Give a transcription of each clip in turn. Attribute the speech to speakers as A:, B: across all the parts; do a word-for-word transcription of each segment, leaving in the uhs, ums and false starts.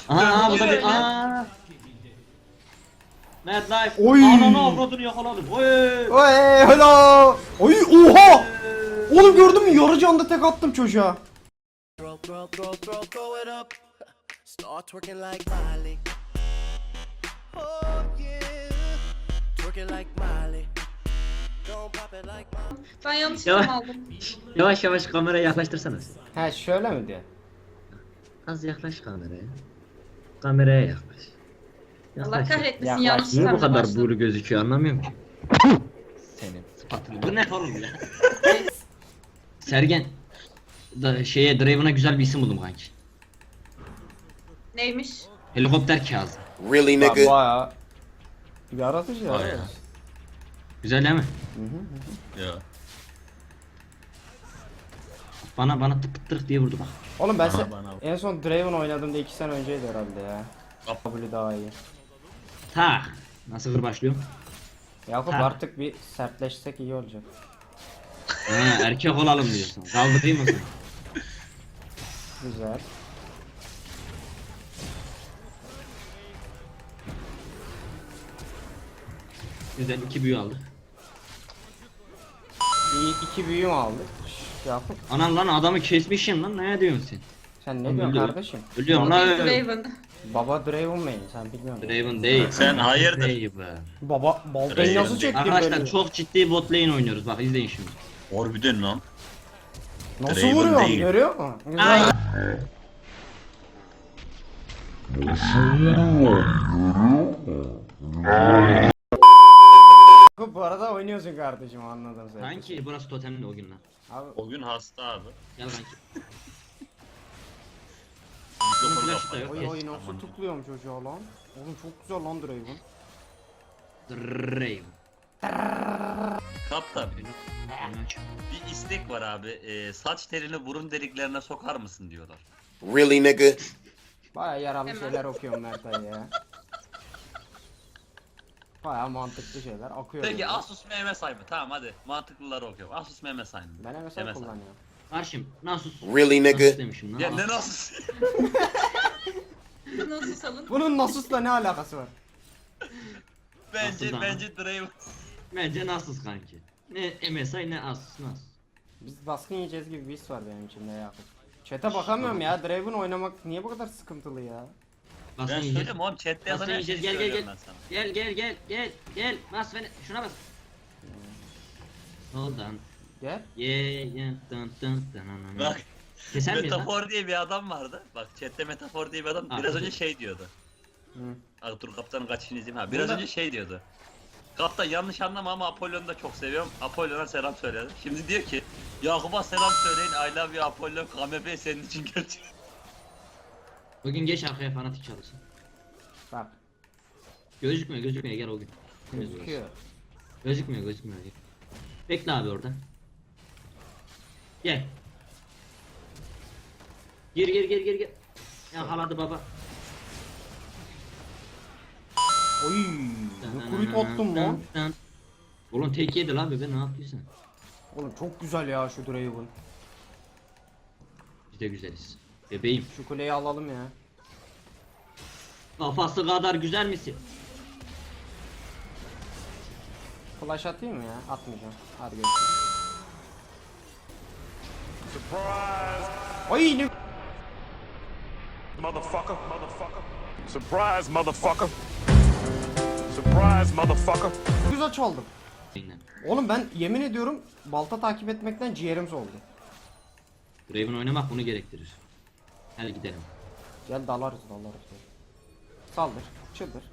A: Aha bu da bir aa. Mad Life.
B: Oy.
A: Ananı avradını yakaladım. Oy.
B: Oy hello. Oy oha. Oğlum gördün mü, yarı canda tek attım çocuğa.
C: Throw, throw, throw, throw, throw it up. Start twerking like Miley. Oh yeah, twerking like Miley. Don't pop it like Miley.
D: Ben yanlış
A: Yavaş.
D: item aldım.
A: Yavaş yavaş kameraya yaklaştırsana.
B: He şöyle mi diyor?
A: Az yaklaş kameraya. Kameraya yaklaş.
D: Allah
A: Yaklaş.
D: kahretmesin
B: Yaklaş.
D: yanlış
A: Niye bu
D: itemle
A: kadar
D: başladım.
A: buğulu gözüküyor anlamıyorum ki.
B: Senin.
A: Spatula. Bu ne oğlum ya? Sergen. Da, şeye Draven'a güzel bir isim buldum kanki.
D: Neymiş?
A: Helikopter Kazım.
E: Really,
B: Ba
E: nigga?
B: bayağı yaratıcı ya.
F: Bayağı.
A: Güzel değil mi?
F: Ya.
A: Bana bana tık tık diye vurdu bak.
B: Oğlum ben
F: Bana,
B: se-
F: bana.
B: en son Draven oynadığımda iki sene önceydi herhalde ya.
F: Yap.
B: W daha iyi.
A: Ta. Nasıl hır başlıyorum?
B: Yakup
A: Ha.
B: artık bir sertleşsek iyi olacak.
A: Ha, erkek olalım diyorsun. Kaldırayım mı seni?
B: Güzel.
A: Güzel iki büyü aldık.
B: İyi iki büyüm aldık. Şş, Yakup
A: Anan lan adamı kesmişim lan, ne diyorsun sen?
B: sen ne
A: Oğlum,
B: diyorsun
A: ölüyorum.
B: kardeşim?
A: Ölüyorum lan.
D: Draven.
B: Baba Draven main sen bilmiyorsun.
A: Draven değil.
F: Sen hayırdır?
A: Draven.
B: Baba baltayı
F: Draven
B: nasıl
F: değil.
B: çektin
A: Arkadaşlar
B: böyle?
A: çok ciddi bot lane oynuyoruz, bak izleyin şimdi.
F: Harbiden lan.
B: Nasıl
F: Draven
B: vuruyor?
F: değil.
B: Görüyor musun? Güzel.
A: Ay.
B: Yakup bu arada oynuyorsun kardeşim, anladım seni.
A: Kanki burası totemli o günler.
B: Abi
F: O gün hasta abi.
A: Gel kanki.
F: Mikrofonu
A: flash da
F: kapat.
A: yok.
B: oy
A: Kes.
B: oy nasıl tıklıyorum çocuğa lan. Oğlum çok güzel lan Draven.
A: Draven.
F: Kaptan.
A: Oyunu aç.
F: Bir istek var abi. Ee, saç telini burun deliklerine sokar mısın diyorlar.
E: Really, nigga?
B: Baya yararlı
D: Hemen.
B: şeyler okuyorum Mert Ali ya. Baya mantıklı şeyler akıyor.
F: Peki
B: böyle.
F: Asus M M say mı? Tamam hadi. Mantıklıları okuyorum. Asus M M say mı?
B: Ben M S I
F: M S I.
B: kullanıyorum.
A: Karşım Nasus.
E: Really, nigga?
A: Nasus demişim lan.
F: Ya ne Asus?
D: Nasıl salın?
B: Bunun Nasus'la ne alakası var?
F: bence
A: Asus ama.
F: bence Draven.
A: Bence Nasus kanki. Ne M S I ne Asus, Nasus.
B: Biz baskın yiyeceğiz gibi bir his var benim içimde Yakup. Chat'e bakamıyorum ya, Draven oynamak niye bu kadar sıkıntılı ya?
A: Bas
F: Ben
A: yiyeceğiz.
F: söyleyeyim oğlum chatte yazan
A: Basın
F: her şeyi
A: yiyeceğiz, gel gel
F: söylüyorum
A: gel.
F: ben sana.
A: Gel gel gel gel gel. Bas beni, şuna bas. Hold on.
B: Gel.
A: Yeah yeah dun dun dun dun.
F: Bak
A: Keser miyiz lan?
F: Metafor diye bir adam vardı. Bak chatte Metafor diye bir adam
A: Ha,
F: biraz
A: dur.
F: önce şey diyordu.
B: Hı.
F: Abi dur kaptanın kaçışını izleyeyim ha. Biraz
B: Bunda-
F: önce şey diyordu. Kaptan yanlış anlama ama Apollon'u da çok seviyorum. Apollon'a selam söyledi. Şimdi diyor ki Yakup'a selam söyleyin. I love you Apollon. K M P senin için kötü.
A: Bugün geç arkaya fanatik çalışsın.
B: Bak.
A: Gözükmüyor gözükmüyor, gel o gün.
B: Gözüküyor.
A: Gözükmüyor gözükmüyor. Gel. Bekle abi orada. Gel. Gir gir gir gir gir. Yakaladı baba.
B: Oy. Ne kurup attım lan.
A: Oğlum tek yedi lan bebe, ne yapıyorsun?
B: Oğlum çok güzel ya şu Draven.
A: Biz de güzeliz. Bebeğim.
B: Şu kuleyi alalım ya.
A: Kafası kadar güzel misin?
B: Flash atayım mı ya? Atmayacağım. Hadi görüşürüz. Ay ne
G: Motherfucker, motherfucker. Surprise, motherfucker. Surprise, motherfucker.
B: güzel çaldım.
A: Aynen.
B: Oğlum ben yemin ediyorum balta takip etmekten ciğerim soldu.
A: Draven oynamak bunu gerektirir. Hadi gidelim.
B: Gel dalarız dalarız. Saldır. Çıldır.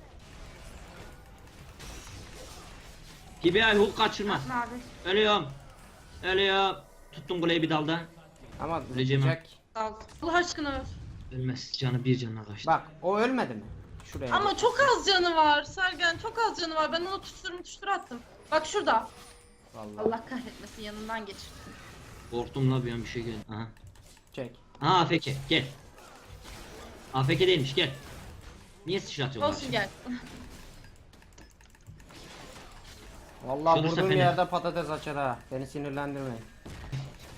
A: Gibi ay hook kaçırmaz.
D: Ne abi?
A: Ölüyorum. Ölüyorum. Tuttum kuleyi bir dalda.
B: Ama
A: Öleceğim
B: Jack.
D: Dal. Allah aşkına öl.
A: Ölmez. Canı bir canına kaçtı.
B: Bak o ölmedi mi? Şuraya.
D: Ama çok az canı var Sergen, çok az canı var. Ben onu tutuştur tutuştur attım. Bak şurada.
B: Vallahi.
D: Allah kahretmesin, yanından geçirdim.
A: Korktum la bir an bir şey geldi. Aha.
B: Jack.
A: Aha A F K gel. A F K değilmiş, gel. Niye sıçratıyorlar?
D: Olsun gel.
B: Vallahi
A: Şurası
B: vurduğum
A: fena.
B: yerde patates açar ha. Beni sinirlendirmeyin.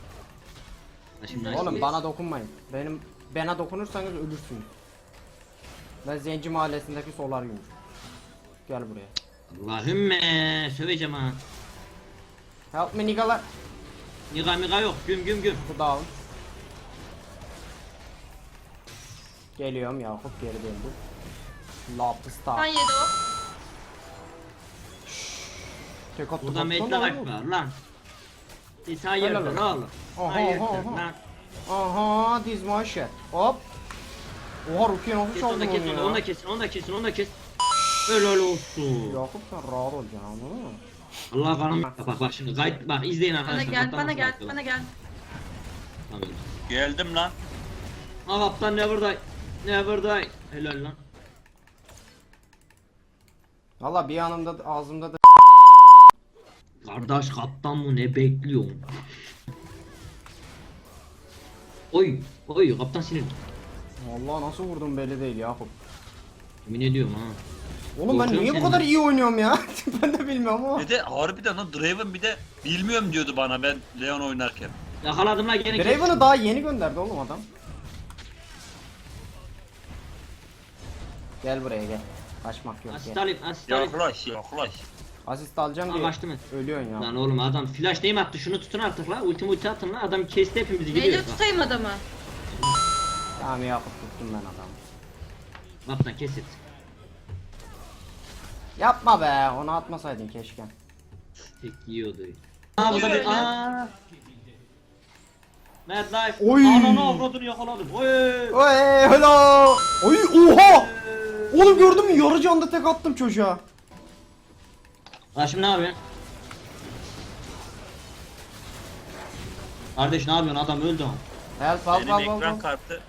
A: Ha, şimdi
B: Oğlum
A: nice.
B: bana dokunmayın. Benim bana dokunursanız ölürsünüz. Ben Zenci mahallesindeki solaryum. Gel buraya.
A: Allahümme söveceğim ha.
B: Help me niggalar.
A: Niga miga yok. Güm güm güm.
B: Bu down. Geliyorum Yakup geri döndü. Lapista.
D: Kan yedi o.
B: Tek attı.
A: Burada
B: baksana
A: metre
B: oğlum.
A: var lan. Siz
B: Helal
A: hayırdır
B: olsun.
A: oğlum.
B: Aha,
A: Hayırdır
B: aha, aha.
A: lan.
B: Aha this my shit. Hop. Oha Rukiye nasıl
A: Kes onu
B: çaldın
A: da kes
B: onu
A: onu,
B: ya?
A: onu da kesin onu da kesin onu da kes. Helal olsun.
B: Yakup sen rahat olacaksın anladın mı?
A: Allah kanım. Bak bak bak şimdi gayet bak izleyin
D: Bana
A: arkadaşlar.
D: gel,
A: kaptan
D: bana
A: nasıl
D: gel,
A: yapıyor.
D: bana gel.
A: Tamam.
F: Geldim lan.
A: Ha kaptan never die. Never die. Helal lan.
B: Valla bir yanımda da- ağzımda da
A: Kardeş kaptan mı ne bekliyorsun? Oy oy kaptan sinirli.
B: Vallahi nasıl vurdum belli değil Yakup.
A: Yemin ediyorum ha.
B: Oğlum ben
A: Korkuyorum
B: niye bu
A: seni.
B: kadar iyi oynuyorum ya? Ben de bilmiyorum ama.
F: Bir de harbiden o Draven bir de bilmiyorum diyordu bana ben Leon oynarken.
A: Yakaladım lan gene kes.
B: Draven'ı daha yeni gönderdi oğlum adam. Gel buraya gel. Kaçmak yok
A: Asist
B: gel.
A: alayım asist alayım.
F: Yaklaş yaklaş.
B: Asist alacağım
A: Aa,
B: diye
A: kaçtı mı?
B: ölüyorsun ya.
A: Lan oğlum adam flash neyim attı şunu tutun artık la ultimi ulti atın la adam kesti hepimizi
D: Neyle
A: gidiyoruz bak.
D: tutayım adamı?
B: Tamam Yakup tuttum ben adamı.
A: Kaptan kes et.
B: Yapma be onu atmasaydın keşke.
A: Tek yiyordu. Aa bu da bir aaa. Mad Life.
B: Oy.
A: Ananı avradını yakaladım. Oy.
B: Oy hello. Oy oha. Oğlum gördün mü yarı canda tek attım çocuğa.
A: Lan şimdi ne yapıyorsun? Kardeş ne yapıyorsun adam öldü ama.
B: Help help
F: Benim
B: help help.
F: ekran
B: help.
F: kartı.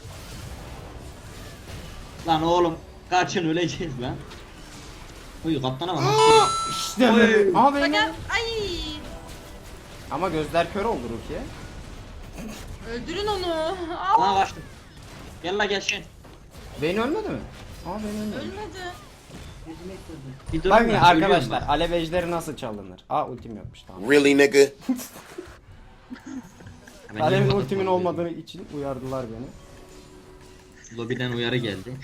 A: Lan oğlum kaçın öleceğiz lan. Oy kaptana bak.
B: Aa, İşte
A: Oy.
B: be. Ama
D: Bana
B: benim.
D: gel. Ay.
B: Ama gözler kör oldu Rukiye.
D: Öldürün onu. Al.
A: Aa kaçtım. Gel la gel şimdi.
B: Beyin ölmedi mi? Aa beyin ölmedi.
D: Ölmedi.
A: Bir durun
B: Bakın
A: ben,
B: arkadaşlar
A: ölüyorum
B: alev ejderi nasıl çalınır? Aa ultim yokmuş tamam.
E: Really, nigga?
A: ben.
B: Alev'in
A: Hemen
B: ultimin
A: kapatıyorum.
B: olmadığı için uyardılar beni.
A: Lobiden uyarı geldi.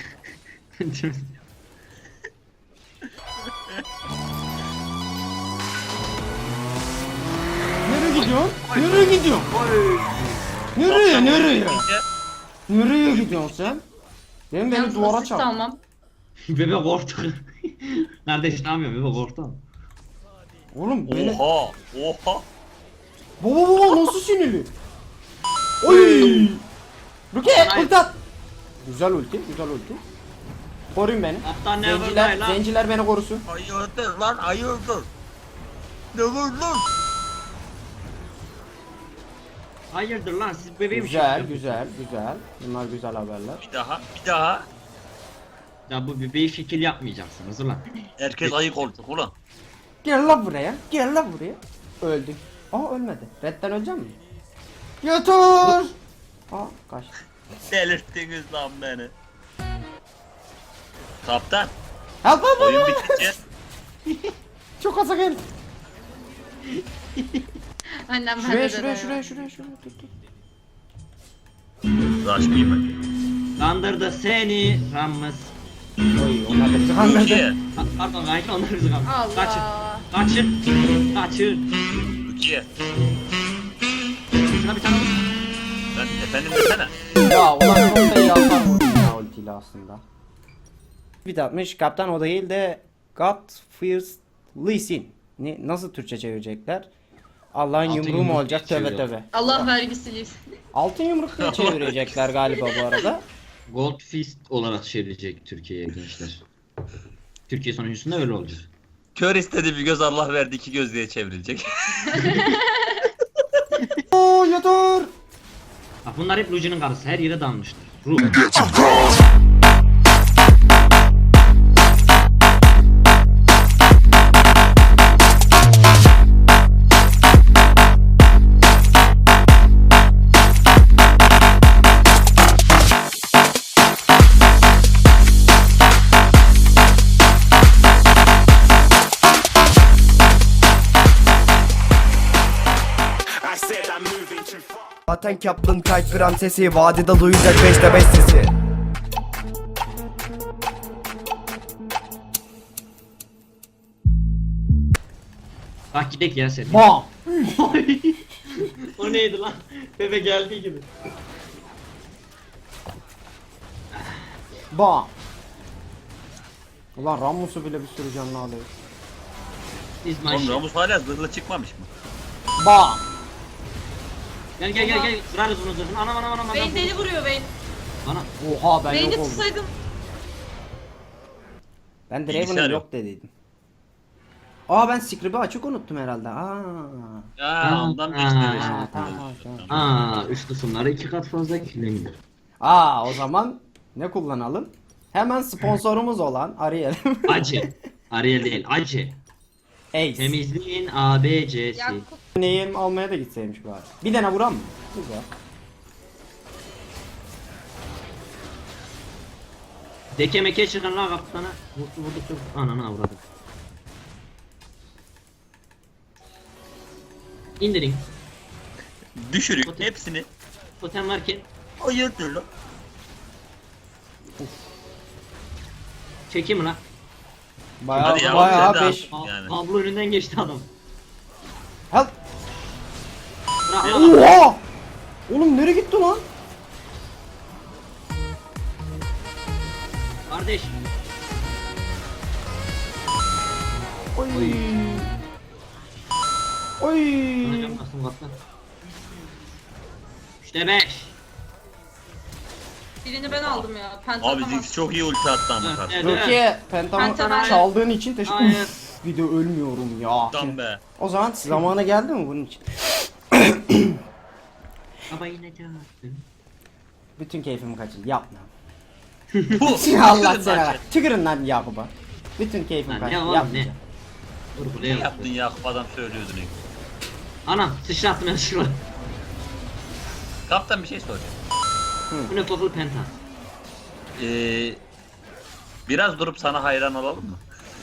B: Nereye gidiyorsun? Nereye gidiyorsun? Nereye nereye? Nereye gidiyorsun sen? Benim beni
D: Yalnız
B: duvara
D: asist
B: çarp.
D: almam.
A: Bebe korktu. Kardeş ne yapıyorsun bebe korktu.
B: Oğlum beni...
F: Oha oha.
B: Baba baba nasıl sinirli? Oy! Rukiye ulti at! Güzel ulti, güzel ulti. Koruyun beni.
A: Kaptan ne
B: Zenciler,
A: yapıyor lan?
B: zenciler beni korusun.
F: Hayırdır lan hayırdır. Ne var lan?
A: Hayırdır lan siz bebeğim
B: Güzel, güzel, güzel. Bunlar güzel haberler.
F: Bir daha bir daha.
A: Ya bu bebeği şekil yapmayacaksınız ulan.
F: Herkes ayık olacak ulan.
B: Gel lan buraya, gel lan buraya. Öldük. Aa ölmedi. Redden öleceğim mi? Götür! Aa kaçtı.
F: Delirttiniz lan beni. Kaptan
B: Help help
F: oyun
B: help!
F: bitince
B: Çok aza gel.
D: Annem bende
B: Şuraya
D: de
B: şuraya
D: de
B: şuraya
D: var.
B: şuraya şuraya tut tut.
F: uğraşmayayım ben.
A: Kandırdı seni Ramız.
B: Oy onlar da bizi kandırdı.
F: Rukiye.
A: Ha, Pardon kanka onlar bizi kandırdı.
D: Allah.
A: Kaçın. Kaçın. Kaçın.
F: Rukiye.
A: Şuna bir tane vur.
F: Ben efendim desene.
B: Ya ulan çok da iyi hasar vurdum ya ultiyle aslında. Bir de atmış kaptan o değil de God Fears Lee Sin. Ne, nasıl Türkçe çevirecekler? Allah'ın
A: Altın
B: yumruğu mu
A: yumruk
B: olacak
A: diye
B: tövbe
A: çeviriyor.
B: tövbe.
D: Allah vergisiyle.
B: Altın yumruk diye çevirecekler galiba bu arada.
A: Gold Fist olarak çevrilecek Türkiye'ye gençler. Türkiye sonuncusunda öyle olacak.
F: Kör istedi bir göz Allah verdi iki göz diye çevrilecek.
B: Oo yeter.
A: Bak bunlar hep Luci'nin karısı her yere dalmışlar. Ruh.
G: I said I'm moving too far.
H: Zaten Kaplan kayıt prensesi vadide duyacak beşte beş sesi.
A: Bak gidek ya sen.
B: Bam.
A: O neydi lan? Bebe geldiği gibi.
B: Bam. Ulan Rammus'u bile bir sürü canlı alıyor.
A: İsmail.
F: Oğlum Ramus hala zırhlı çıkmamış mı?
B: Bam.
A: Gel gel gel gel. Kırarız bunu zırhını. Anam anam anam.
D: Vayne
A: adam.
D: deli vuruyor Vayne.
A: Bana.
B: Oha ben
D: Vayne'i
B: yok oldum.
D: tutsaydım.
F: Bilgisayar
B: Ben Draven'ın
F: yok.
B: yok dediydim. Aa ben script'i açık unuttum herhalde. Aa.
F: Ya ondan
A: Aa,
F: beş lira
B: aa,
F: şimdi.
B: tamam, tamam.
A: Aa, üç kısımları iki kat fazla kirlenir.
B: Aa o zaman ne kullanalım? Hemen sponsorumuz olan Ariel.
A: Acı. Ariel değil, acı.
B: Ace.
A: Temizliğin A B C'si.
D: Yakup.
B: Neyim almaya da gitseymiş bari. Bir tane vuran mı? Güzel.
A: Deke meke çıkan la kaptana. Vurdu vurdu vurdu. Ananı avradım. İndirin.
F: Düşürüyor hepsini.
A: Totem varken
F: Hayırdır lan?
A: çekeyim lan.
B: Bayağı
F: Hadi ya,
B: bayağı
F: sen de
B: beş.
F: al. Yani.
A: Pablo önünden geçti adam.
B: Help.
A: Bırak lan.
B: Oha! Oğlum nereye gitti lan?
A: Kardeş.
B: Oy. Oy.
A: Anacım bastım kaptan. Üçte beş.
D: Birini ben aldım ya.
F: Abi
D: Pentagram.
F: Ziggs çok iyi ulti attı ama
A: Evet,
F: karşı.
A: evet.
B: Rukiye pentamı
D: Pentagon.
B: çaldığın için teşekkür
A: Hayır.
B: ederim. Bir de ölmüyorum ya.
F: Tam be.
B: O zaman zamanı geldi mi bunun için?
A: Baba yine çağırdı.
B: Bütün keyfimi kaçırdı. Yapma.
F: Bu.
B: Allah
F: Kızın
B: seni
F: lan.
B: ver. Tükürün lan Yakup'a. Bütün keyfim
A: Lan ne
B: kaçtı.
A: oğlum,
B: Yapmayacağım.
A: Dur
F: Ne
A: buraya
F: yaptın Yakup adam söylüyordu ne?
A: Anam sıçrattım ya şunu.
F: Kaptan bir şey soracağım.
A: Bu ne kokulu penta.
F: Ee, biraz durup sana hayran olalım mı?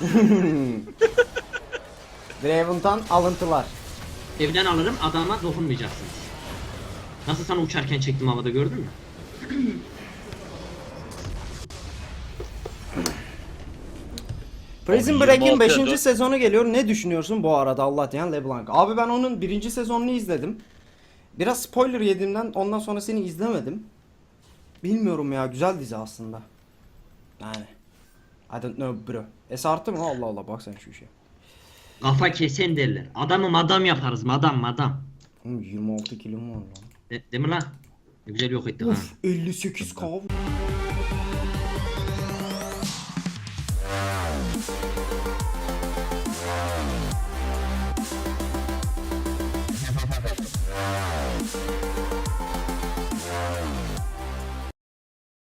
B: Draven'tan alıntılar.
A: Evden alırım adama dokunmayacaksınız. Nasıl sana uçarken çektim havada gördün mü?
B: Prison
F: Abi
B: Break'in
F: yirmi altıya
B: beşinci
F: dört.
B: sezonu geliyor. Ne düşünüyorsun bu arada Allah diyen LeBlanc? Abi ben onun birinci sezonunu izledim. Biraz spoiler yediğimden ondan sonrasını izlemedim. Bilmiyorum ya güzel dizi aslında. Yani. I don't know bro. Es arttı mı? Allah Allah bak sen şu işe.
A: Kafa kesen derler. Adamı madam yaparız madam madam.
B: Oğlum yirmi altı kilom var lan.
A: De, değil mi lan? Ne güzel yok ettik ha.
B: Uf elli sekiz k.